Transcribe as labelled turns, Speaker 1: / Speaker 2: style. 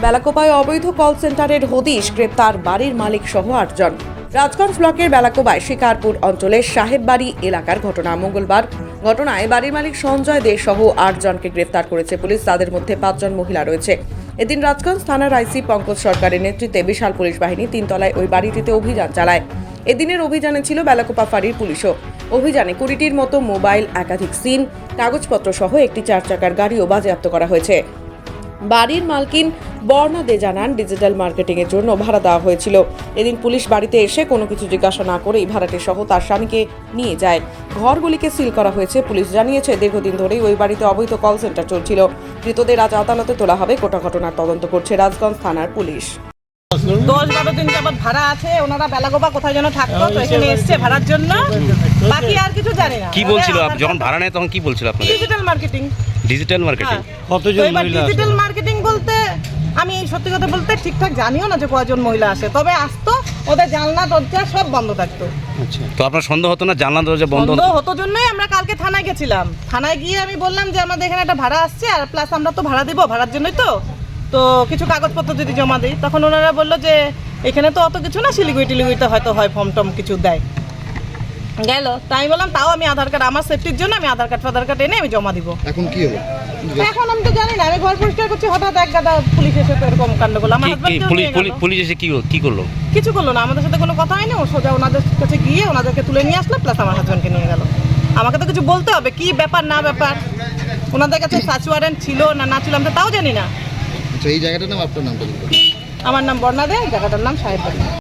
Speaker 1: বেলাকোপায় অবৈধ কল সেন্টারের হদিশ, গ্রেপ্তার বাড়ির মালিক সহ 8 জন। রাজগঞ্জ ব্লকের বেলাকোপায় শিকারপুর অঞ্চলের সাহেববাড়ি এলাকার ঘটনা। মঙ্গলবার ঘটনায় বাড়ির মালিক সঞ্জয় দে সহ 8 জনকে গ্রেপ্তার করেছে পুলিশ। তাদের মধ্যে 5 জন মহিলা রয়েছে। এদিন রাজগঞ্জ থানার আইসি পঙ্কজ সরকারের নেতৃত্বে বিশাল পুলিশ বাহিনী 3 তলায় ওই বাড়িটিতে অভিযান চালায়। এদিনের অভিযানে ছিল বেলাকোপা ফাঁড়ির পুলিশও। অভিযানে 20টির মতো মোবাইল, একাধিক সিম, কাগজপত্র সহ একটি 4 চাকার গাড়িও বাজেয়াপ্ত করা হয়েছে। বাড়ির মালকিন বর্ণা দে জানান, ডিজিটাল মার্কেটিং এর জন্য ভাড়া দেওয়া হয়েছিল। এদিন পুলিশ বাড়িতে এসে কোনো কিছু জিজ্ঞাসা না করেই ভাড়াটে সহ তার স্বামীকে নিয়ে যায়। ঘরগুলিকে সিল করা হয়েছে। পুলিশ জানিয়েছে, দীর্ঘদিন ধরেই ওই বাড়িতে অবৈধ কল সেন্টার চলছিল। ধৃতদের আজ আদালতে তোলা হবে। গোটা ঘটনার তদন্ত করছে রাজগঞ্জ থানার পুলিশ।
Speaker 2: 10-12 দিন যাবত ভাড়া আছে, ওনারা বেলাকোপা কোথায় যেন থাকতো, তো এখানে এসছে ভাড়ার জন্য। বাকি আর কিছু জানি না।
Speaker 3: কি বলছিল যখন ভাড়া নেয় তখন কি বলছিল আপনাদের?
Speaker 2: Digital marketing.
Speaker 3: ডিজিটাল মার্কেটিং
Speaker 4: কতজন মহিলা?
Speaker 2: ডিজিটাল মার্কেটিং বলতে আমি সত্যি কথা বলতে ঠিকঠাক জানিও না যে কয়জন মহিলা আসে, তবে আসতো, ওদের জানলা দরজা সব বন্ধ থাকতো।
Speaker 4: আচ্ছা,
Speaker 3: তো আপনার সন্দেহ হতো না জানলা দরজা বন্ধ?
Speaker 2: বন্ধ হতো জন্যই আমরা কালকে থানায় গেছিলাম। থানায় গিয়ে আমি বললাম যে আমাদের এখানে একটা ভাড়া আসছে, আর প্লাস আমরা তো ভাড়া দিব, ভাড়ার জন্যই তো কিছু কাগজপত্র যদি জমা দিই। তখন ওনারা বললো যে এখানে তো অত কিছু না, শিলিগুড়িতে হয়তো হয় ফর্ম টম কিছু দেয়। গেল, তাই আমি বললাম তাও আমি আধার কার্ড, আমার সেফটির জন্য আমি আধার কার্ড এনে আমি জমা দিব।
Speaker 4: এখন কি হলো?
Speaker 2: এখন আমি তো জানি না, আমি ঘর পরিষ্কার করছি, হঠাৎ এক গাদা পুলিশ এসে তো এরকম কাণ্ড করলো। আমার
Speaker 3: পুলিশ এসে কি করলো?
Speaker 2: কিছু করলো না, আমাদের সাথে কোনো কথা হয়নি। ও সোজা ওনাদের কাছে গিয়ে ওনাদেরকে তুলে নিয়ে আসলো, প্লাস আমার হাজব্যান্ডকে নিয়ে গেল। আমাকে তো কিছু বলতে হবে, কি ব্যাপার না ব্যাপার, ওনাদের কাছে সার্চ ওয়ারেন্ট ছিল না ছিল আমি তো তাও জানি না।
Speaker 4: আচ্ছা, এই জায়গাটার নাম আপনার নামটা?
Speaker 2: আমার নাম বর্ণা দে, জায়গাটার নাম সাহেববাড়ি।